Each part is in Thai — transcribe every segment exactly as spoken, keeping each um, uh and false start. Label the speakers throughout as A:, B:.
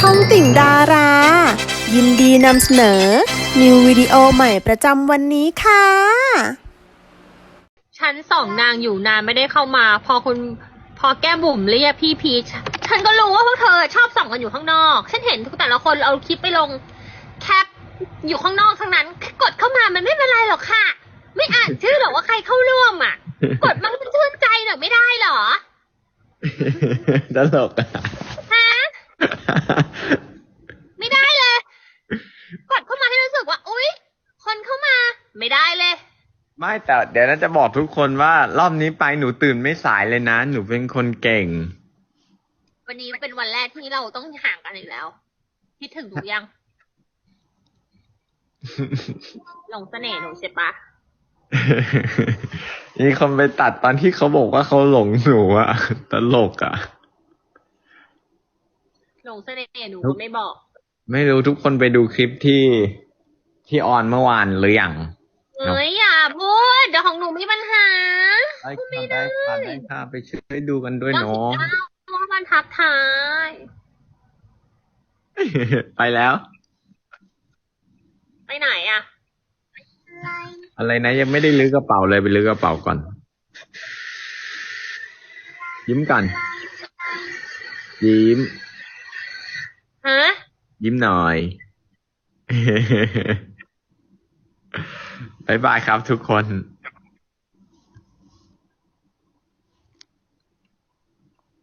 A: องติ่งดารา ยินดีนำเสนอ นิววิดีโอใหม่ประจำวันนี้ค่ะ
B: ฉันสองนางอยู่นานไม่ได้เข้ามา พอคุณพอแก้มบุ๋มเรียกพี่พีชฉันก็รู้ว่าพวกเธอชอบส่องกันอยู่ข้างนอก ฉันเห็นทุกแต่ละคนเอาคลิปไปลงแคปอยู่ข้างนอกทั้งนั้นกดเข้ามามันไม่เป็นไรหรอกค่ะ ไม่อ่านชื่อหรอกว่าใครเข้าร่วมอ่ะ กดมันชื่นใจหน่อยไม่ได้หรอ
C: ตลกอะ
B: ฮะ ไม่ได้เลย กดเข้ามาให้รู้สึกว่า อุ๊ย คนเข้ามา ไม่ได้เลย
C: ไม่แต่เดี๋ยวน่าจะบอกทุกคนว่ารอบนี้ไปหนูตื่นไม่สายเลยนะ หนูเป็นคนเก่ง
B: วันนี้เป็นวันแรกที่เราต้องห่างกันอีกแล้วคิดถึงหนูยัง หลงเสน่ห์หนูใช่ปะ
C: มีคนไปตัดตอนที่เขาบอกว่าเขาหลงหนูอะตลกอะ
B: หลงเสน่ห์หนูก็ไม่บอก
C: ไม่รู้ทุกคนไปดูคลิปที่ที่ออนเมื่อวานหรือยัง
B: เอ้ยอย่าพูดเดี๋ยวของหนูมีปัญหา
C: ได้ค่ะได้ค่ะได้ค่ะไปช่วยดูกันด้วย
B: เก้า
C: เนา
B: สิบ
C: ะ
B: เก้าว่ามันทักทาย
C: ไปแล้ว
B: ไปไหนอ่ะ
C: อะไรนะยังไม่ได้ลื้อกระเป๋าเลยไปลื้อกระเป๋าก่อน ยิ้มก่อนยิ้ม
B: ฮะ
C: ยิ้มหน่อย บ๊ายบายครับทุกคน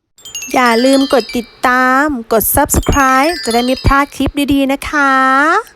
A: อย่าลืมกดติดตาม กด ซับสไครบ์ จะได้ไม่พลาดคลิปดีๆนะคะ